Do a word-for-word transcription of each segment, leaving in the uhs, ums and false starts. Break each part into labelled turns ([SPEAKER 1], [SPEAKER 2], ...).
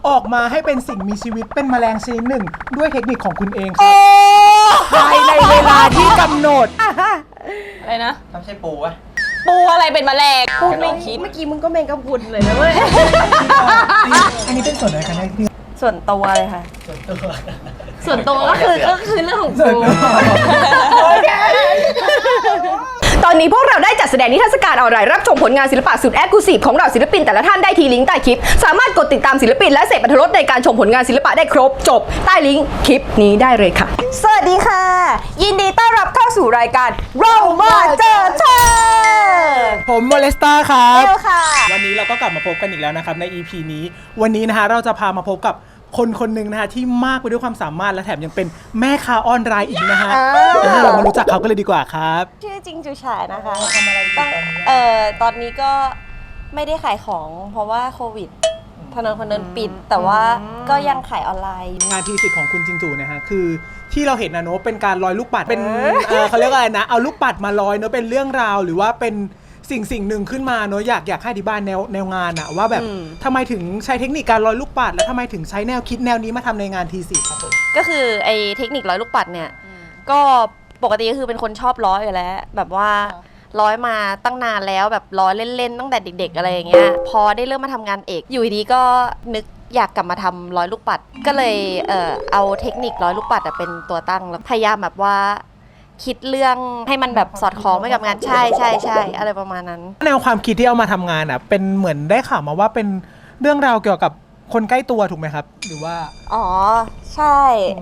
[SPEAKER 1] ออกมาให้เป็นสิ่งมีชีวิตเป็นแมลงชนิดหนึ่งด้วยเทคนิคของคุณเองค
[SPEAKER 2] โอ้
[SPEAKER 1] รับภายในเวลาที่กำหนด
[SPEAKER 2] อะไรนะ
[SPEAKER 3] ต้องใช่ปูวะ
[SPEAKER 2] ปูอะไรเป็นแมลงพูดไม่คิด
[SPEAKER 4] เมื่อกี้มึงก็แมงกะพรุนเลยนะเว้ย
[SPEAKER 1] อันนี้เป็นส่วนไหนกันแน่พี่
[SPEAKER 4] ส่วนตัวเลยค่ะ
[SPEAKER 3] ส่วนตัว
[SPEAKER 4] ส่วนตัวก็คือก็คือเรื่องของกู
[SPEAKER 2] ตอนนี้พวกเราได้จัดแสดงนิทรรศการออนไลน์รับชมผลงานศิลปะสุดแอคลูซีฟของเราศิลปินแต่ละท่านได้ที่ลิงก์ใต้คลิปสามารถกดติดตามศิลปินและเสพอรรถรสในการชมผลงานศิลปะได้ครบจบใต้ลิงก์คลิปนี้ได้เลยค่ะสวัสดีค่ะยินดีต้อนรับเข้าสู่รายการเรามาเจอเธอ
[SPEAKER 1] ผมโมเลสตาครับ
[SPEAKER 2] เร็วค่ะ
[SPEAKER 1] วันนี้เราก็กลับมาพบกันอีกแล้วนะครับใน อี พี นี้วันนี้นะคะเราจะพามาพบกับคนคนหนึ่งนะคะที่มากไปด้วยความสามารถและแถมยังเป็นแม่ค้าออนไลน์อีกนะฮะ
[SPEAKER 2] อ่า
[SPEAKER 1] เรามารู้จักเขากันเลยดีกว่าครับ
[SPEAKER 4] ชื่อจริงจูฉายนะคะ
[SPEAKER 1] ทำอะไรอยู่ตอนนี้
[SPEAKER 4] เอ่อตอนนี้ก็ไม่ได้ขายของเพราะว่าโควิดถนนคนเดินปิด แต่ว่าก็ยังขายออนไลน์
[SPEAKER 1] งานทีสิทธิ์ของคุณจิงจูนะฮะคือที่เราเห็นนะเนอะเป็นการลอยลูกปัดเป็นเอ่อเขาเรียกว่าอะไรนะเอาลูกปัดมาลอยเนอะเป็นเรื่องราวหรือว่าเป็นสิ่งสิ่งหนึ่งขึ้นมาเนอะอยากอยากให้อธิบายแนวแนวงานอะว่าแบบ
[SPEAKER 2] อืม
[SPEAKER 1] ทำไมถึงใช้เทคนิคการลอยลูกปัดและทำไมถึงใช้แนวคิดแนวนี้มาทำในงานทีสิทธิ์ครับผม
[SPEAKER 4] ก็คือไอ้เทคนิคร้อยลูกปัดเนี่ยก็ปกติก็คือเป็นคนชอบร้อยอยู่แล้ว แบบว่าร้อยมาตั้งนานแล้วแบบร้อยเล่นๆตั้งแต่เด็ก ๆ อะไรอย่างเงี้ยพอได้เริ่มมาทำงานเอกอยู่ดีๆก็นึกอยากกลับมาทำร้อยลูกปัด ก็เลยเอ่อเอาเทคนิคร้อยลูกปัดอะเป็นตัวตั้งแล้วพยายามแบบว่าคิดเรื่องให้มันแบบสอดคล้องไปกับงานใช่ใช่ใช่อะไรประมาณนั้น
[SPEAKER 1] แนวความคิดที่เอามาทำงานอ่ะเป็นเหมือนได้ข่าวมาว่าเป็นเรื่องราวเกี่ยวกับคนใกล้ตัวถูกไหมครับ หรือว่า
[SPEAKER 4] อ๋อ ใช่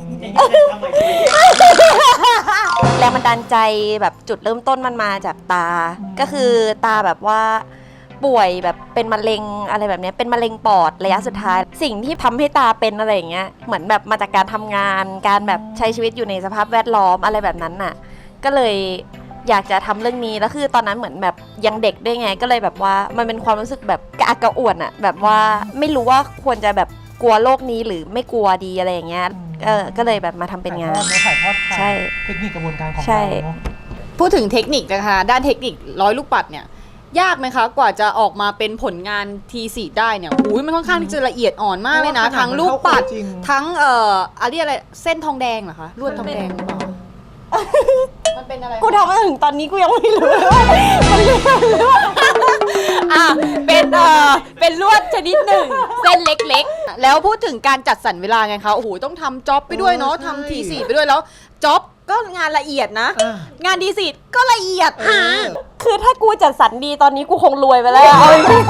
[SPEAKER 4] แรงบันดาลใจแบบจุดเริ่มต้นมันมาจากตา ก็คือตาแบบว่าป่วยแบบเป็นมะเร็งอะไรแบบเนี้ยเป็นมะเร็งปอดระยะสุดท้าย สิ่งที่ทำให้ตาเป็นอะไรอย่างเงี้ยเหมือนแบบมาจากการทำงาน การแบบใช้ชีวิตอยู่ในสภาพแวดล้อมอะไรแบบนั้นน่ะ ก็เลยอยากจะทำเรื่องนี้แล้วคือตอนนั้นเหมือนแบบยังเด็กด้วยไง ก็เลยแบบว่ามันเป็นความรู้สึกแบบกระอักกระอ่วนอะแบบว่าไม่รู้ว่าควรจะแบบกลัวโลกนี้หรือไม่กลัวดีอะไรอย่างเงี้ยเออก็เลยแบบมาทำเป็นงาน
[SPEAKER 1] ถ่ายทอดผ่าน
[SPEAKER 4] ใช่
[SPEAKER 1] เทคนิคกระบวนการของ
[SPEAKER 4] ใช่
[SPEAKER 1] เราเนอะ
[SPEAKER 5] พูดถึงเทคนิคนะคะด้านเทคนิคร้อยลูกปัดเนี่ยยากไหมคะกว่าจะออกมาเป็นผลงานทีสี่ได้เนี่ยอุ้ยมันค่อนข้างที่จะละเอียดอ่อนมากเลยนะทั้งลูกปัดทั้งเอ่ออะไรอะไรเส้นทองแดงเหรอคะลวดทองแดงหรือเปล่ามันเป็นอะไร
[SPEAKER 4] กูทำมาถึงตอนนี้กูยังไม่รู้เลยว่ามันเรียกว่าลวด
[SPEAKER 5] อ่ะเป็นเอ่อเป็นลวดชนิดหนึ่งเส้นเล็กๆแล้วพูดถึงการจัดสรรเวลาไงคะโอ้โหต้องทำจ็อบไปด้วยเนาะทำทีสี่ไปด้วยแล้วจ็อบก็งานละเอียดนะ
[SPEAKER 1] อ่ะ
[SPEAKER 5] งานทีสี่ก็ละเอียด
[SPEAKER 4] คือถ้ากูจัดสรรดีตอนนี้กูคงรวยไปแล้วเอาจริง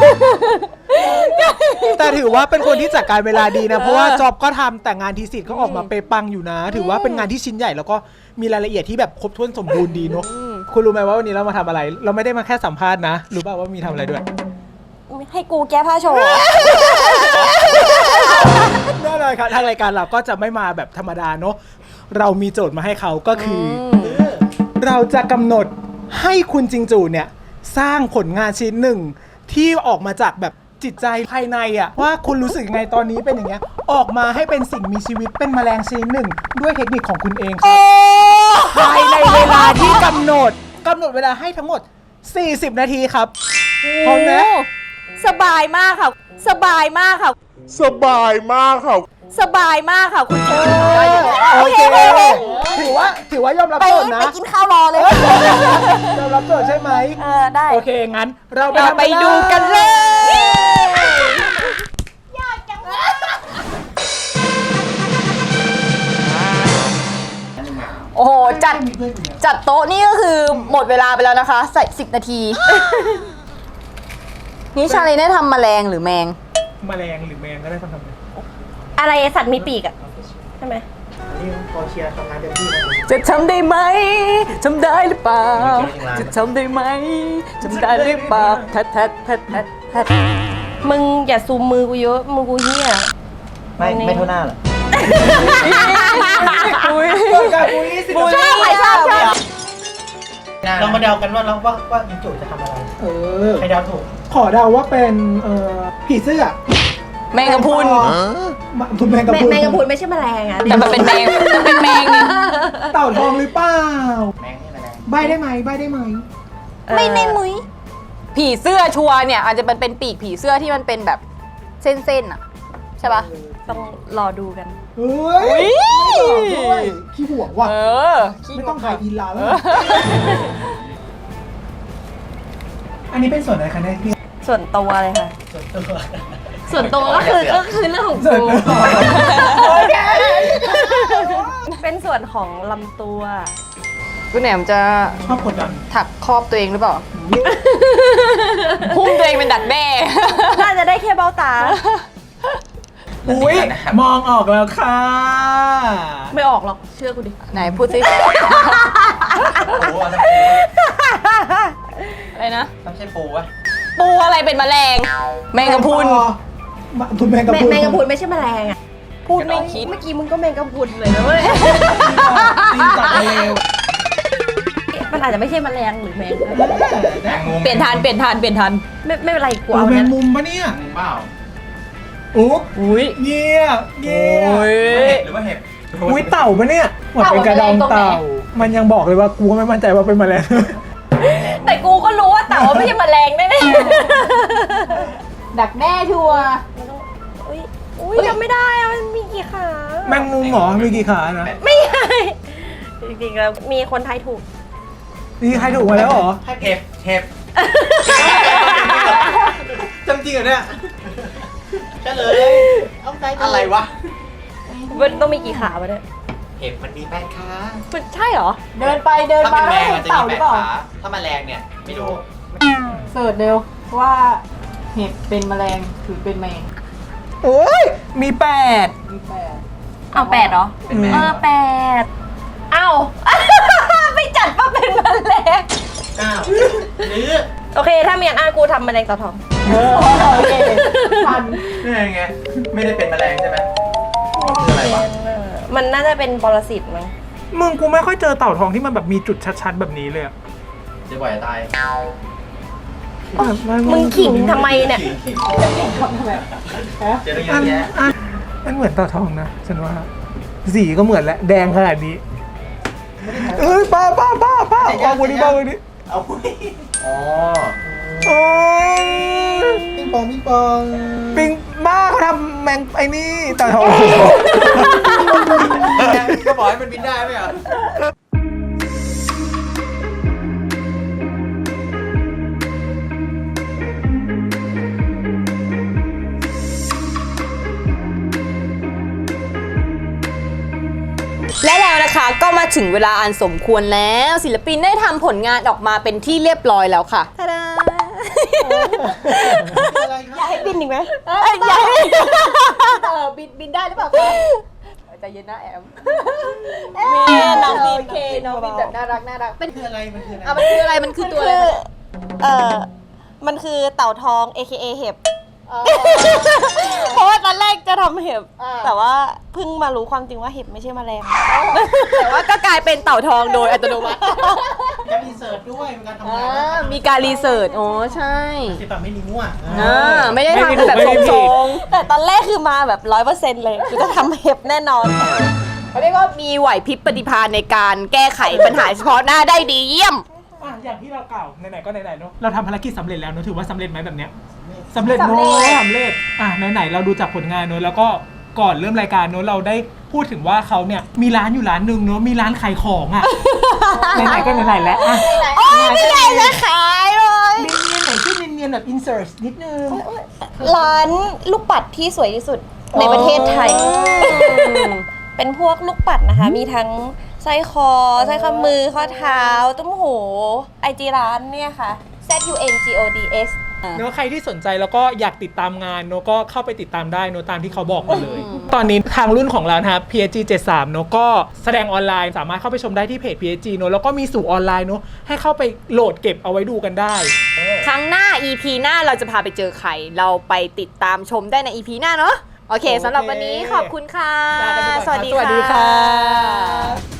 [SPEAKER 1] แต่ถือว่าเป็นคนที่จัดการเวลาดีนะ เพราะว่าจอบก็ทำแต่งานทีสิทธิ์ก็ออกมาเปปังอยู่นะ ถือว่าเป็นงานที่ชิ้นใหญ่แล้วก็มีรายละเอียดที่แบบครบถ้วนสมบูรณ์ดีเนอะคุณรู้ไหมว่าวันนี้เรามาทำอะไร เราไม่ได้มาแค่สัมภาษณ์นะรู้ป่าวว่ามีทำอะไรด้วย
[SPEAKER 4] ให้กูแก้ผ้าโชว์
[SPEAKER 1] แน่นอนครับทางรายการเราก็จะไม่มาแบบธรรมดาเนอะเรามีโจทย์มาให้เขาก็คืออเราจะกำหนดให้คุณจิงจูเนี่ยสร้างผลงานชิ้นหนึ่งที่ออกมาจากแบบจิตใจภายในอะว่าคุณรู้สึกยังไงตอนนี้เป็นอย่างเงี้ยออกมาให้เป็นสิ่งมีชีวิตเป็นแมลงชนิดหนึ่งด้วยเทคนิคของคุณเองครับภายในเวลาที่กำหนดกำหนดเวลาให้ทั้งหมดสี่สิบนาทีครับพร้อมไหม
[SPEAKER 5] สบายมากค่ะ สบายมากค่ะ
[SPEAKER 6] สบายมากค่ะ
[SPEAKER 5] สบายมากค่ะคุณเจ
[SPEAKER 1] โอเคถือว่าถือว่ายอมรับ
[SPEAKER 4] ไป
[SPEAKER 1] โจทย์นะ
[SPEAKER 4] ไปกินข้าวรอเลย
[SPEAKER 1] ยอมรับโจทย์ใช่ไหม
[SPEAKER 4] เออ ได้
[SPEAKER 1] โอเค งั้น เราไป
[SPEAKER 5] เราไปดูกันเลย โอ้โห จัด จัดโต๊ะนี่ก็คือหมดเวลาไปแล้วนะคะ ใส่สิบนาที นี่ชาลีได้ทำแมลงหรือแมง
[SPEAKER 1] แมลงหรือแมงก็ได้ทำทำเลย
[SPEAKER 4] อะไรสัตว์มีปีกอะใช่ไหม
[SPEAKER 1] นี่พอเชียร์ทำงานเต็มที่นะ
[SPEAKER 5] จะทำได้ไหมทำได้หรือเปล่า จะทำได้ไหมทำได้หรือเปล่าแทดแทดแทดแทดแทด
[SPEAKER 4] มึงอย่าซูมมือกูเยอะมือกูเหี้ย
[SPEAKER 3] ไม่ไม่เท่าหน้าหรอ
[SPEAKER 5] อุ้ย
[SPEAKER 1] การบูลลี่สิ
[SPEAKER 5] บูลลี่
[SPEAKER 4] ใครชอบชอบ
[SPEAKER 3] เรามาเดากันว่าเราว่าว่าจิงจูจะทำอะไร
[SPEAKER 1] เออ
[SPEAKER 3] ใครเดาถูก
[SPEAKER 1] ขอเดาว่าเป็น เอ่อ ผีเสื้อ
[SPEAKER 5] แมงกะพรุน
[SPEAKER 1] มาคุณแมงกะ
[SPEAKER 4] แม
[SPEAKER 1] พรุน
[SPEAKER 4] แมงกะพรุนไม่ใช่แมลงอะ
[SPEAKER 5] แต่มันเป็นแมงมันเป็นแมงนี่
[SPEAKER 1] เต่าทองหรือเปล่า
[SPEAKER 3] แมงนี่แมลง
[SPEAKER 1] ใบได้ไหมใบได้ไหม
[SPEAKER 4] ไม่ในมุ้ย
[SPEAKER 5] ผีเสื้อชัวร์เนี่ยอาจจะเป็นเป็นปีกผีเสื้อที่มันเป็นแบบเส้นๆอ่ะใช่ปะ
[SPEAKER 4] ต้องรอดูกัน
[SPEAKER 1] เฮ้ยไม่บอกด้วยขี้ห่วงว่ะ
[SPEAKER 5] เออ
[SPEAKER 1] ไม่ต้องขายอินลาแล้ว อันนี้เป็นส่วนอะไรคะเนี่ยพี่
[SPEAKER 4] ส่วนตัวเลยค่ะ
[SPEAKER 3] ส่วนตัว
[SPEAKER 4] ส่วนตัวก็คือก็คือเรื่องของ
[SPEAKER 1] ส่วน
[SPEAKER 4] กู
[SPEAKER 1] ตัว
[SPEAKER 4] เป็นส่วนของลำตัว
[SPEAKER 5] คุณแหนมจะ
[SPEAKER 1] ชอบกดดัน
[SPEAKER 5] ถักครอบตัวเองหรือเปล่า หุ้มตัวเองเป็นดักแด้
[SPEAKER 4] น่าจะได้แค่เบ้าตา
[SPEAKER 1] อุ้ยมองออกแล้วค่ะ
[SPEAKER 4] ไม่ออกหรอก เชื่อกูดิ
[SPEAKER 5] ไหนพูดสิ
[SPEAKER 3] ปูอ่ะต้องปู
[SPEAKER 5] อะไรนะ
[SPEAKER 3] ต้องใช่ปูวะ
[SPEAKER 5] ปูอะไรเป็นแมลง แมงกะพรุน
[SPEAKER 1] คุณแมงกะ
[SPEAKER 4] แม
[SPEAKER 1] พรุน
[SPEAKER 4] แมงกะพรุนไม่ใช่แมลงอ่ะ พูดไม่
[SPEAKER 5] คิด
[SPEAKER 4] เมื่อกี้มึงก็แมงกะพรุนเลยนะเว้ย
[SPEAKER 1] ตีนจากเลว
[SPEAKER 4] มันอาจจะไม่ใช่แมลงหรือแมงก็ได้
[SPEAKER 3] แมงมุม
[SPEAKER 5] เปลี่ยนทันเปลี่ยนทันเปลี่ยนทัน
[SPEAKER 4] ไม่ไม่เป็นไรกู
[SPEAKER 1] โอ้
[SPEAKER 4] เอา
[SPEAKER 1] แม
[SPEAKER 4] เนี่
[SPEAKER 1] ง
[SPEAKER 4] ย
[SPEAKER 1] มุมปะเนี่ย
[SPEAKER 3] มุมเปล่า
[SPEAKER 1] โอ้
[SPEAKER 5] อุ้ย
[SPEAKER 1] เงี้ยเงี้ย
[SPEAKER 5] โอ้ย
[SPEAKER 3] หรือว่าเห็บ
[SPEAKER 1] อุ้ยเต่าปะเนี่ยเหมือนเป็นกระดองเต่า มันยังบอกเลยว่ากูก็ไม่มั่นใจว่าเป็นแมลง
[SPEAKER 4] แต่กูก็รู้ว่าเต่าไม่ใช่แมลงแน่
[SPEAKER 5] ดักแด้ชัวร์
[SPEAKER 4] ๆอุ้ยอุ้ยยังไม่ได้อะมันมีกี่ขา
[SPEAKER 1] แมงมุมเหรอมีกี่ขานะ
[SPEAKER 4] ไม่ใช่จริงๆแล้วมีคนไทยถูก
[SPEAKER 1] นี่ใครถูกมาแล้วเหรอ
[SPEAKER 3] เห็บเห็บจำจริงเหรอเนี่ยใช่เลยเอาใจอะไรวะ
[SPEAKER 4] มันต้องมีกี่ขาวะเนี่ย
[SPEAKER 3] เห็บมันมีแปดขา
[SPEAKER 4] มันใช่เหรอ
[SPEAKER 5] เดินไปเดิน
[SPEAKER 3] ถ้า
[SPEAKER 5] มา
[SPEAKER 3] เป็นแม
[SPEAKER 5] แล้ว
[SPEAKER 3] ง
[SPEAKER 5] เห็
[SPEAKER 3] มัน
[SPEAKER 5] น
[SPEAKER 3] จะ
[SPEAKER 5] เต่า
[SPEAKER 3] มี
[SPEAKER 5] ห
[SPEAKER 3] แป
[SPEAKER 5] รือ
[SPEAKER 3] ด
[SPEAKER 5] เปล่า
[SPEAKER 3] ขาถ้าแมลงเนี่ยไม่รู้
[SPEAKER 5] เสิร์ชเร็วว่าเห็บเป็นแมลงหรือเป็นแมง
[SPEAKER 1] โอ้ยมีแปด
[SPEAKER 5] มีแปด
[SPEAKER 4] เอาแปดเหรอ
[SPEAKER 3] เป็นแมง
[SPEAKER 4] เออแปดเอ้า ไม่จัดว่าเป็นแมลง
[SPEAKER 3] อ้าวหรือ
[SPEAKER 4] โอเค ถ้าเมียนอ่านกูทำแมลงเต่าทอง
[SPEAKER 5] เออโอเคทัน
[SPEAKER 3] นี่ไงไม่ได้เป็นแมลงใช่ไหมคืออะไรวะ
[SPEAKER 4] มันน่าจะเป็นปรสิตมั้ง
[SPEAKER 1] มึงกูไม่ค่อยเจอเต่าทองที่มันแบบมีจุดชัดๆแบบนี้เลยอะ
[SPEAKER 3] จะบ่อยจะตาย
[SPEAKER 4] มึงขิงทำไมเนี่ย
[SPEAKER 3] ขิง
[SPEAKER 5] ทำทำไม
[SPEAKER 3] เจอเรื่องเย
[SPEAKER 1] อั
[SPEAKER 3] อะ
[SPEAKER 1] น
[SPEAKER 3] แยะ
[SPEAKER 1] อันมันเหมือนเต่าทองนะฉันว่าสีก็เหมือนแหละแดงขนาดนี้เอ้ยป้าป้าป้าป้าป้าวันนี้ป้าวันนี้
[SPEAKER 3] เอาคุยอ๋อ
[SPEAKER 1] โอ้ย
[SPEAKER 3] ปิงปองปิงปอง
[SPEAKER 1] ปิงบ้าเขาทำแมงไอ้นี่เต่าทอง
[SPEAKER 3] ก็บอกให้มันบินได้ไหมอ่ะ
[SPEAKER 5] และแล้วนะคะก็มาถึงเวลาอันสมควรแล้วศิลปินได้ทำผลงานออกมาเป็นที่เรียบร้อยแล้วค่ะ
[SPEAKER 4] อยากให้บินอีกไหม
[SPEAKER 5] อยากให้เออบินบินได้หรือเปล่าคะใจเย็นนะแอมมีน้องบินโอเคน้องบินแบบน่ารักน่ารักเป็น
[SPEAKER 3] คืออะไรมันคืออะไร
[SPEAKER 5] อ่ะมันคืออะไรมันคือตัวอะไร
[SPEAKER 4] คือเออมันคือเต่าทอง เอ เค เอ เห็บ
[SPEAKER 5] อ๋อ
[SPEAKER 4] เพราะว่าตอนแรกจะทำเห็บ
[SPEAKER 5] อ่า
[SPEAKER 4] แต่ว่าเพิ่งมารู้ความจริงว่าเห็บไม่ใช่แมลง
[SPEAKER 5] แต่ว่าก็กลายเป็นเต่าทองโดยอัตโนมัติ
[SPEAKER 3] การรีเสิร์ชด้วยเป็นการทำ
[SPEAKER 5] อ่
[SPEAKER 3] งาน
[SPEAKER 5] ามีการรีเสิร์ชอ๋อใช่
[SPEAKER 3] สิบแบบไม่นิ้วอ่ะ
[SPEAKER 5] อ่าไม่ได้ทำแบบทรง
[SPEAKER 4] แต่ตอนแรกคือมาแบบร้อยเปอร์เซ็นต์เลยคือจะทำเห็บแน่นอน
[SPEAKER 5] ๆเขาเรียกว่ามีไหวพริบปฏิภาณในการแก้ไขปัญหาเฉพาะหน้าได้ดีเยี่ยม
[SPEAKER 1] อ่ะอย่างที่เรากล่าวไหนๆก็ไหนๆเนาะเราทำภารกิจสำเร็จแล้วเนอะถือว่าสำเร็จไหมแบบเนี้ยสำเร็จเนอะสำเร็จอ่ะไหนๆเราดูจากผลงานเนอะแล้วก็ก่อนเริ่มรายการเนอะเราได้พูดถึงว่าเขาเนี่ยมีร้านอยู่ร้านหนึ่งเนอะมีร้านขายของอ่ะ ไหนๆก็ไหนๆแล้วอ่ะ
[SPEAKER 4] โอ้ยไม่ใหญ่จะขายเลย
[SPEAKER 1] เนียนๆหน่อยชื่อเนียนๆแบบ insert นิดนึง
[SPEAKER 4] ร้านลูกปัดที่สวยที่สุดในประเทศไทย เป็นพวกลูกปัดนะคะ มีทั้งสร้อยคอสร้อยข้อมือข้อเท้า ตุ้มหูไอจีร้านเนี่ยค่ะ Z U N G O D S
[SPEAKER 1] เนอะใครที่สนใจแล้วก็อยากติดตามงานเนอะก็เข้าไปติดตามได้เนอะตามที่เขาบอกมาเลย ตอนนี้ทางรุ่นของเรานะครับ พี เอส จี เจ็ดสิบสามเนอะก็แสดงออนไลน์สามารถเข้าไปชมได้ที่เพจ พี เอส จี เนอะแล้วก็มีสู่ออนไลน์เนอะให้เข้าไปโหลดเก็บเอาไว้ดูกันได้
[SPEAKER 5] ครั้งหน้า อี พี หน้าเราจะพาไปเจอใคร เราไปติดตามชมได้ใน อี พี หน้าเนาะโอเคสำหรับวันนี้ขอบคุณค่ะ
[SPEAKER 1] ลากันไปก่อนครับ
[SPEAKER 5] สวัสดี
[SPEAKER 1] สวัสดี
[SPEAKER 5] ค่ะ
[SPEAKER 1] ค่ะ